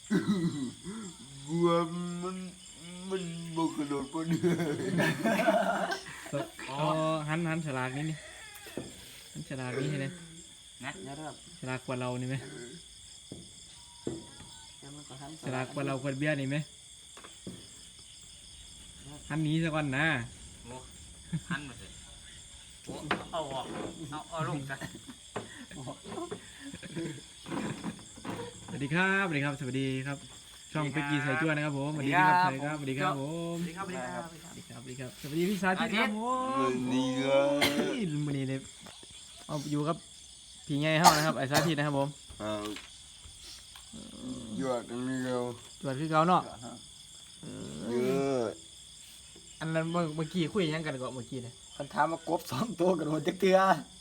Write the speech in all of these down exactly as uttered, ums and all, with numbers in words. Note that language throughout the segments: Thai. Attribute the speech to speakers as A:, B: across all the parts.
A: กลัวมันมันบกกระโดดบนเรือ
B: อ๋อหันหันฉลากนี่นี่หันฉลากนี่ให้เลย
C: นะเดี๋ยวครับ
B: ฉลากกว่าเรานี่ไหม
C: เดี๋ยวมันก็ทำ
B: ฉลากกว่าเราคนเบี้ยนี่ไหมหันหนี้ซะก่อนนะ
D: โอ้หันมาสิโอ้เอาออกเอาเอาลงซะ
B: สวัสดีครับสวัสดีครับสวัสดีครับช่องเป็กกี้ใส่จ้วนนะครับผมสวัสดีครับสวัสดีครับสวัสดีครับผม
C: สวัสดีครับสวัสดีครับ
B: สวัสดีครับสวัสดีครับสวัสดีพี่สาธิตครับผม
A: มันดีครับ
B: วันนี้เลยเอาอยู่กับพี่ไงเฮานะครับไอ้สาธิตนะครับผม
A: เอาหยอดตรงนี้เรา
B: จวดคือเก่าเนาะ
A: เยอะ
B: อันนั้นเมื่อเมื่อกี้คุยหยังกันก่อนเมื่อกี้เนี่ย
C: คันถามมากบสองตัวกระโดดจักเตือ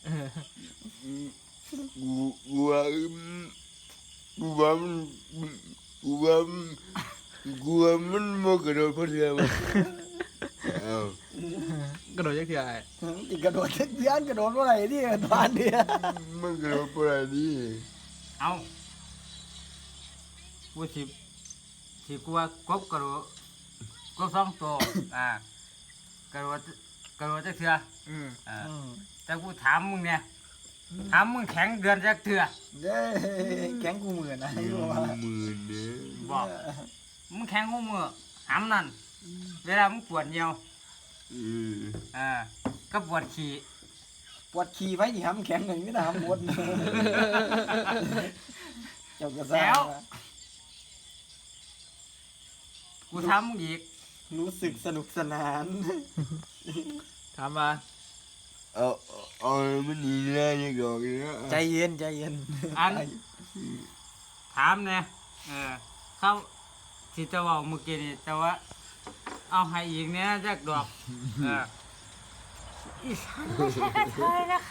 A: กูกลัวกูว่ามันกูว่ามันกูว่ามันบกกระโดดบนเรือมันเอา
B: กระโดดยักษ์เถื่อไอ้
C: ติกระโดดจักเตือนกระโดดเมื่อไหร่ที่ตอนเดีย
A: มันกระโดดบนอะไรนี่
D: เอากูสิสิกูว่ากบกระโดดกบสองตัวอ่ากระโดดกระโดดจักเถื่อ
B: อืม
D: อ่าแต่กูถามมึงเนี่ยถามมึงแข็งเดือนจักเถื่อ
C: เด้แข็งกูเหมือนนะไอ้บัว
A: หมื่นเนี่ย
D: บอกมึงแข็งหัวมือหำนั่นเวลามึงปวดเหี่ยว
A: เออ
D: อ่าก็ปวดขี่
C: ปวดขี่ไว้นี่ทำแข็งหนึ่งนี่นะทำหมดเจ้ากระซ่า
D: กูทำมึงอีก
C: รู้สึกสนุกสนาน
B: ถามมา
A: เอาเอามันดีแล้วนี่ก่อนนะ
C: ใจเย็นใจเย็น
D: อันถามเนี่ยเออเขาที่จะบอกเมื่อกี้นี่แต่ว่า เอาให้อีกเนี่ยจักดอกเอออีฉันไม่ใช่กระเทยนะคะ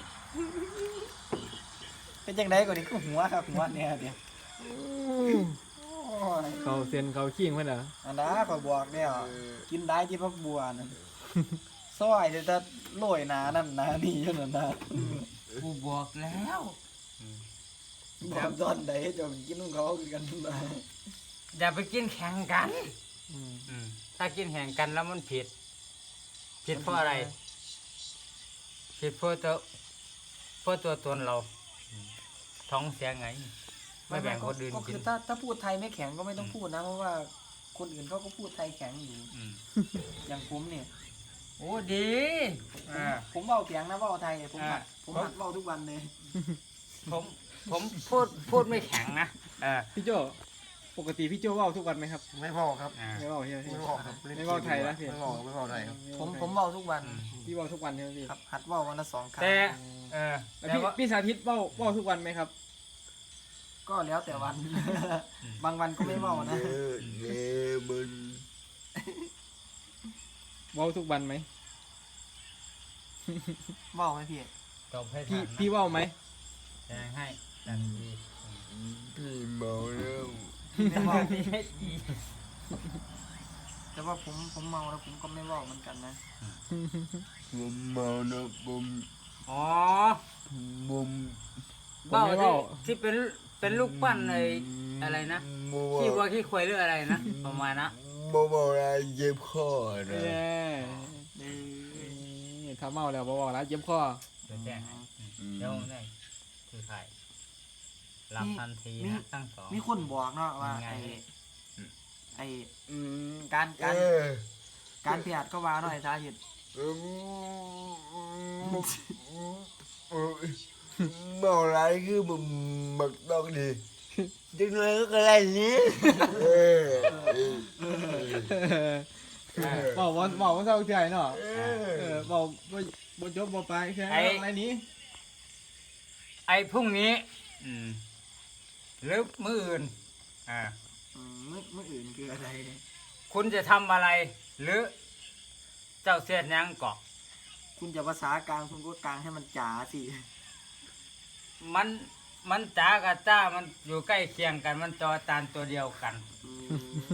C: เป็นจังไดก่อนนี่ก็หัวครับหัวเนี่ยเดี๋ยวโอ้ย
B: เขาเซียนเขาขี้งเพื่อนเหรอ
C: อันนั้นขอยบอกเนี่ยกินได้ที่พักบัวนั่นซอยจะจะโรยหนานั่นหนานี่อยู่นั่นนะ
D: กูบอกแล้ว
C: บอกตอนใดจะกินของเขาคือกันนะ
D: อย่าไปกินแข่งกัน
B: อืม
D: อืมถ้ากินแข่งกันแล้วมันผิด ผิดเพราะอะไร ผิดเพราะตัวเพราะตัวตนเรา ท้องเสียไง ไม่แบ่งคนอื่น
C: ก็
D: กิ
C: คื
D: น
C: อถ้าถ้าพูดไทยไม่แข็งก็ไม่ต้องพูดนะเพราะว่าคนอื่นเขาก็พูดไทยแข็งอยู่
D: อืม
C: อย่างผมเนี่ย
D: โอ้ดีอ่า
C: ผมเว้าเสียงนะเว้าไทยผมหัด
D: อ่า
C: ผมหัดเว้าทุกวันเลย
D: ผมผมพูดพูดไม่แข็งนะเออ
B: พี่โจปกติพี่โจเว่าทุกวันไหมครับ
E: ไม่พอครับ
D: อ่า
B: ไม่เว่าใช่ไหมพี่
E: ไม่พอครับ
B: ไม่เว่าไทยนะพี่
E: ไม่พอไม่พอไทยครับ
C: ผมผมเว้าทุกวัน
B: พี่เว่าทุกวันใช่ไหมพี่
C: ครับหัดเว้าวันละสองครั้ง
D: แต่เออ
B: แล้ว
D: แต่
B: พี่
D: ว่า
B: พี่สาธิตเว่าเว่าทุกวันไหมครับ
C: ก็แล้วแต่วัน บางวันก็ไม่เว้านะ
A: เออเนี่ยมัน
B: เว่าทุกวันไหม
C: เว้าไหมพี่
D: ตอบให้
B: พี่
D: ทันนะ
B: พี่เว่าไหม
D: แทงให้ทันที
A: พี่เมาแล้ว
C: ไม่เว้า
D: พี่ให้ดี
C: แต่ว่าผมผมเมาแล้วผมก็ไม่เว้าเหมือนกันนะ
A: ผมเมานะผม
D: อ๋อ
A: ผม
B: ผมไม่เว่า
D: ที่เป็นเป็นลูกปั้นไอ้อะไรนะ
A: บ่
D: ขี้วัว
A: ว่า
D: ขี้ควายหรืออะไรนะประมาณนะ
A: บ่เมาอะไรเจ็บคอนะ
B: เย้นี่ถ้าเมาแล้วบอกแล้วเจ็บคอ
D: เดี๋ยวแจ้งให้เดี๋ยวนี่คือใครรับทันทีนะตั้งสอง
C: มีคนบอกเนาะว่า
D: ยังไง
C: ไอ้ไอ้อืมการ
A: เอ
C: การ
A: อ
C: การเพียดก็ว่าหน่อยสาเหตุ
A: เออเมาอะไรคือมันมักต้องดีจังเลยก็อะไรนี้เออ
B: บอกว่าบอกว่าเศร้าใจเนาะ
A: เอ
B: เอ
A: อ
B: อบอกว่าบนจบบไปแค่อะไรนี้
D: ไอ้พรุ่งนี้ อืมหรือมื้ออื่นอ่า
C: อืมเมื่อเมื่ออื่นคืออะไรเนี่ย
D: คุณจะทำอะไร หรือ เจ้าเสียดยังเกาะ
C: คุณจะภาษากลางคุณก็กลางให้มันจ๋าสิ
D: มันมันจ๋ากับจ้ามันอยู่ใกล้เคียงกัน มันจอจานตัวเดียวกัน
C: อืม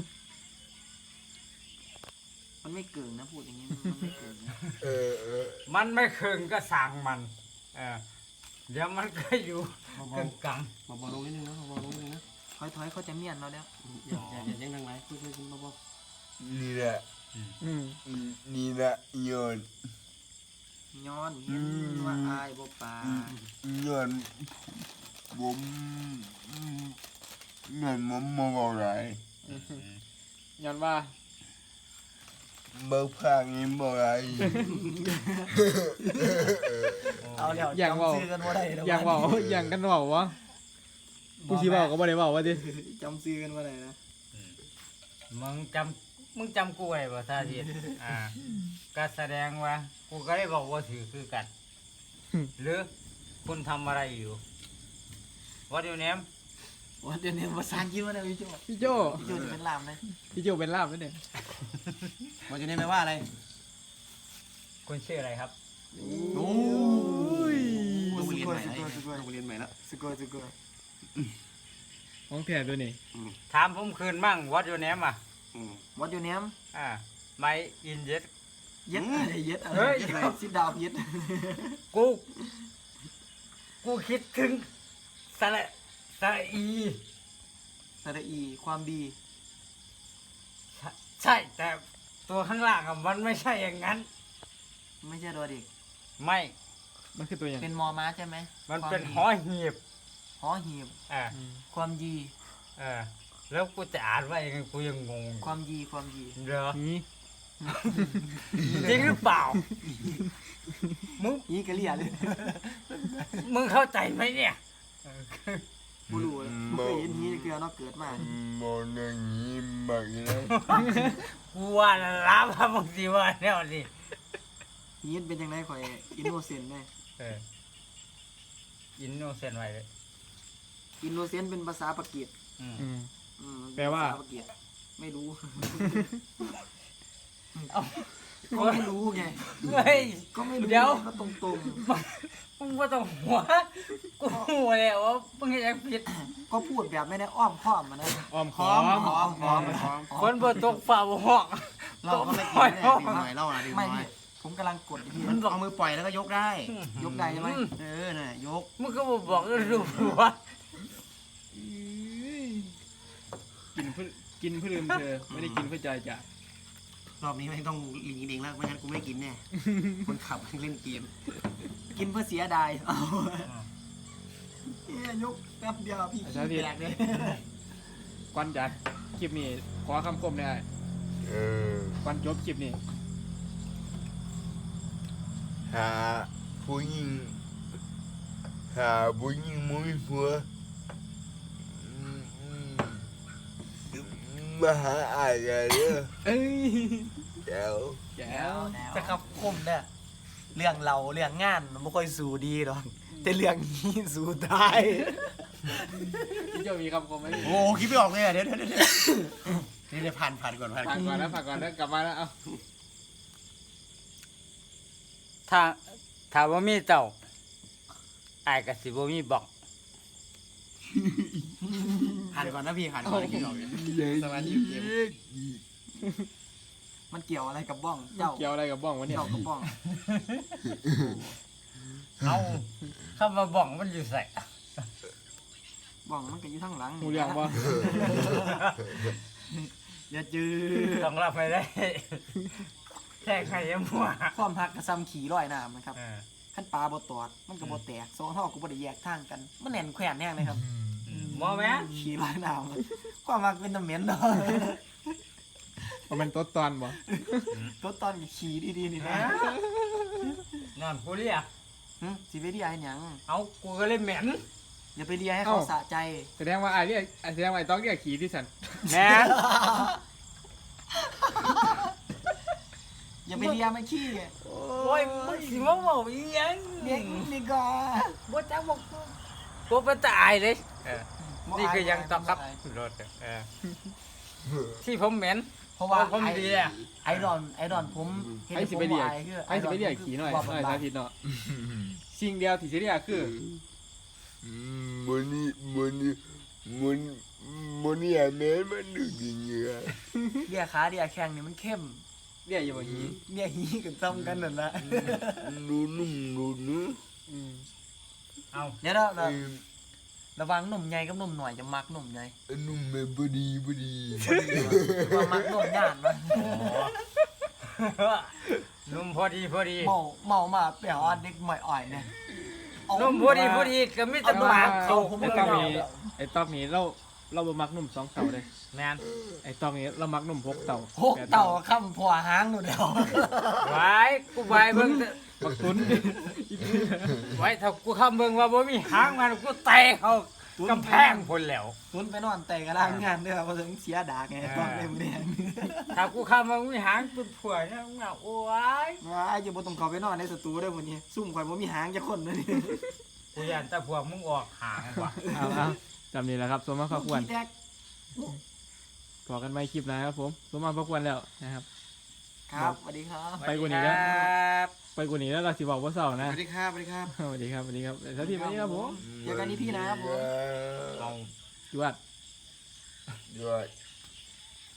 C: มันไม่เกินนะพูดอย่างนี้มันไม่เกินนะ
A: เออเออ
D: มันไม่เคืองก็สั่งมันเออเดี๋ยวมันก็อยู่กึ่งกลาง
E: มาบอกลงนิดนึงนะมาบอกลงนิดนึงนะ
C: ถอยถอยเขาจะเมียนเราแล้ว
E: อย่าอย่าอย่ายังดังไรคุยคุยกันเบา
A: นี่แหละ
B: อืม
A: นี่แหละย้อน
C: ย้อนเห็นว่าอายบ่ปา
A: ย้อนผมย้อนผมมองอะไร
B: ย้อนว่า
A: เบิกพางนี้บ่อะไร
C: เอาแล้ว
B: อย่างเว่า
C: จำซื้อกันบ่ได้แล้ว
B: อย่างเว่าอย่างกันเว่าวะผู้ชี้เว่าก็บ่ได้เว่าว่าดิ
C: จำซื้อกันบ่ได้นะ
D: มึงจำมึงจำกูไว้บ่ซาดิสอ่าก็แสดงว่ากูก็ได้บอกว่าถือคือกัน หรือคุณทำอะไรอยู่ What your name
C: ว่าเดี๋ยวนี้ภาษาอังกฤษว่าได้พี่โจ
B: พี่โจ
C: พี่โจจะเป็นลามเลย
B: พี่โจเป็นลาบแล้วเนี่ย
E: ๆมันจะได้แปลว่าอะไร
D: คุณชื่ออะไรครับ
E: โอ้ยต้อง
C: ส
E: เรียน
C: กอ
E: ให
C: ย
E: ม่
C: ส
E: แล้ว
C: กอยสกอย
E: ต้องเรียนใหม่แล้ว
C: สกอยสกอย
B: ของแท้ตัวนี้
D: ถามผมคืนมั่ง What your name อ่ะ
E: อืม
C: วัดอยู่เนี้ย
D: อ่า My in yes
C: เย็ดอะไรเย็ดอะไร
D: เฮ้ย
C: เย็ดอะไรซิดดาวเย็ด
D: กู กูคิดถึงสระสระอี
C: สระอีความดี
D: ใช่ใช่ แต่ตัวข้างล่างอะมันไม่ใช่อย่างนั้น
C: ไม่ใช่ตัวเด็ก
D: ไม่
B: มันคือตัวอย่าง
C: เป็นมอม้าใช่ไหม
D: มันเป็น
C: ความ
D: ห
C: ดี
D: อหีบ
C: หอหีบ
D: อ่า
B: อืม
C: ความดี
D: เออแล้วกูจะอ่านว่ายังไงกูยังงง
C: ความดีความดี
D: เหรอ
B: นี่
D: จริงหรือเปล่า มึง
C: นี่กะเลียเลย
D: มึงเข้าใจไหมเนี่ย
C: บูรู้เลยบ่เคยเห็นนี้เกลือเนาะเกิดมา
A: มองอย่างนี้มากเลย
D: กูว่าละล้าพามึงสิว่าแนวนี้
C: นี้เป็นยังไงข่อยอินโนเซนต์ไหม
D: เอออินโนเซนไว้เลย
C: อินโนเซนต์เป็นภาษาปากีส
D: อืม
B: อืม
C: อืม
B: แปลว่า
C: ภษปากีสไม่รู้
D: เอา
C: ก็ไม่รู้ไง
D: เฮ้ย
C: ก็ไม่รู้
D: เดี๋ยว
C: ก็ตรงตรง
D: มึงว่าต้องหัว กูหัวแล้วว่ามึงยังผิด
C: ๆก็พูดแบบไม่ได้อ้อมค้อมมันนะ
B: อ้อม
C: ห
B: ค้อ
C: อ
B: ม
C: มหอมหอม
D: คนบ่ตกฝ่าบ่ห้อง
E: เราก็ไม่กินแน่ดื่มหน่อยเล่านะดื่มห
C: ไม่
E: น่อย
C: พี่ผมกำลังกดที่
E: มันเอามือปล่อยแล้วก็ยกได้
C: ยกได้ใช่ไหม
E: เออน่ะยก
D: มึงก็บ่บอกก็รู้ว่า
B: กินเพื่อกินเพื่อลืมเธอไม่ได้กินเพื่อใจจ้ะ
E: รอบนี้ไม่ต้องลิงกินเองแล้วไม่งั้นกูไม่กินแน่ คนขับเล่นเกม
C: กินเพื่อเสียดายเอาเอ้ยยกแป๊บเดียวพี่ขี้แตกเลย
B: ก่อนจัดคลิปนี้ขอคำคมได้
A: เออ
B: ก่อนจบคลิปนี้
A: หาผู้หญิงหาผู้หญิงมุ้ยผัวอืมอืมมาหาอายกันเด้อ
B: เอ้ย
A: เดี๋ยว
B: แก้ว
C: จะขับคมเนี่ยเรื่องเราเรื่องงานมันไม่ค่อยสู้ดีหรอกแต่เรื่องนี้สู้ได้
B: พี่โจมีคำคมไหม
E: โอ้โหคิดไม่ออกเลยอ่ะเดี๋ยวเดี๋ยวเดี๋ยวนี่เดี๋ยวผ่านผ่านก่อนผ่าน
B: ฝากก่อนแล้วฝากก่อนแล้วกลับมาแล้วเอา
D: ถ้าถ้าบ่มีเจ้าอ้ายก็สิบ่มีบอก
E: ผ่านก่อนนะพี่ผ่านก่อนนะคิดไม่ออกเลย
B: สมาธิเกม
C: มันเกี่ยวอะไรกับบ้องเจ้า
B: เกี่ยวอะไรกับบ้องวะเนี่ย
C: เจ้ากับบ้อง
D: เอาคำว่าบอกมันอยู่ใส่
C: บ้องมันก็อยู่ข้างหลัง
B: หูเรื่องบ่
C: อย่าจื้อ
D: ต้องรับไม่ได้ แค่ใครยังมัว
C: ความหักกระซ้ำขี่ร้อยน้ำนะครับ
D: เออ
C: ขั้นปลาบ่ตอดมันก็บ่แตกสองเท่าก็บ่ได้แยกทางกันมันแน่นแขวนแน่เลยครับ
D: มอแม่
C: ขี่ร้อยน้ำความหักเป็นตะเหม็นเนาะ
B: ว่ามันตัวตอนบ่
C: ตัวตอนก็ขี่ดีๆนี่นะ
D: นอนกูเรียก
C: หึสิไปเรียกให้หยัง
D: เอากูก็เลยเหม็น
C: อย่าไปเรียกให้เขาสะใจ
B: แสดงว่าไอ้เรียกแสดงว่าไอ้ต้องเรียกขี่ที่สัน
D: แม่
C: อย่าไปเรียกมันขี้
D: โอ้ยมึงสิมาบอกอีหยัง
C: เรียกนี่ก็
D: บ่จักบอกกูกูเป็นตายเลยเออนี่คือยังตอกครับรถเออที่ผมเหม็น
C: เพราะว่า
D: ผมดีอะ
C: ไอรอนไอรอนผมเห็น
B: ไอ้สิไปเรียก
C: ผมว่าคือ
B: ไอ้สิไปเรียกขี่หน่อยหน่อยสาธิตเนาะสิ่งเดียวที่สิเรียกคือ
A: มันนี่มันนี่มันมันนี่อะแม่มันดึกจริงๆอะ
C: เรียกขาเรียกแข้งนี่มันเข้ม
B: เรียกอยู่บ่หี
C: เรียกหีกันซ้ำกันนั่นแหละ
A: ดูนุ่มดูนุ่ม
B: อืม
D: เอา
C: เดี๋ยวเรา
A: เออ
E: ระวังหนุ่มใหญ่กับหนุ่มหน่อยจะมักหนุ่มใหญ่
A: นุ่มแบบบดีบดี
E: ว่ามักหนุ่มหยาดมัน
D: นุ่มพอดีพอดี
E: เมาเมามาเปล่าเด็กใหม่อ่อยเนี่ย
D: นุ่มพอดีพอดีก็มีแต่ปากเขา
B: ไอ้ตอกนี้ไอ้ตอกนี้เราเราบ่มักหนุ่มสองเต่าเลย
D: แมน
B: ไอ้ตอกนี้เรามักหนุ่มหกเต่า
E: หกเต่าข้ามผัวหางหนูเดียว
D: ไว้กูไว้เบิ่ง
B: บักตุน
D: ไว้ถ้ากูคำเบิ่งว่าบ่มีหางมันกูเตะเขากำแพงพุ่นแล้ว
C: ตุนไปนอนแต่กระล่างงานเด้อเพราะถึงเสียดากไงตอนเล่มแดง
D: ถ้ากูคำว่ามีหางตุนผัวเนี่ยมึงเอาโอ้ย
C: ว่าไอ้จะบ่ต้องเข้าไปนอนในสตูเด้อมื้อนี้ซุ่มข่อยบ่มีหางจักคนเลยนี่
D: กูยันแต่พวกมึงออกหางว่ะ
B: เอาเอาจำนี้แหละครับสมมาพระควร
C: ขี้แตก
B: พอกันไม่คลิปหนะครับผมสมมาพระควรแล้วนะครับ
C: ครับสวัสดีครับ
B: ไปกว่านี้แล้ว
D: ครับ
B: ไปกว่านี้แล้วเราสิบอกว่าเศร้า
C: ส
B: นะ
C: วัสดีครับสวัสดีครับ
B: สวัสดีครับสวัสดีครับสวัสดีวันนี้ครับผม
C: เจอกันที่พี่นะครับผม
B: จวด
A: ด้วย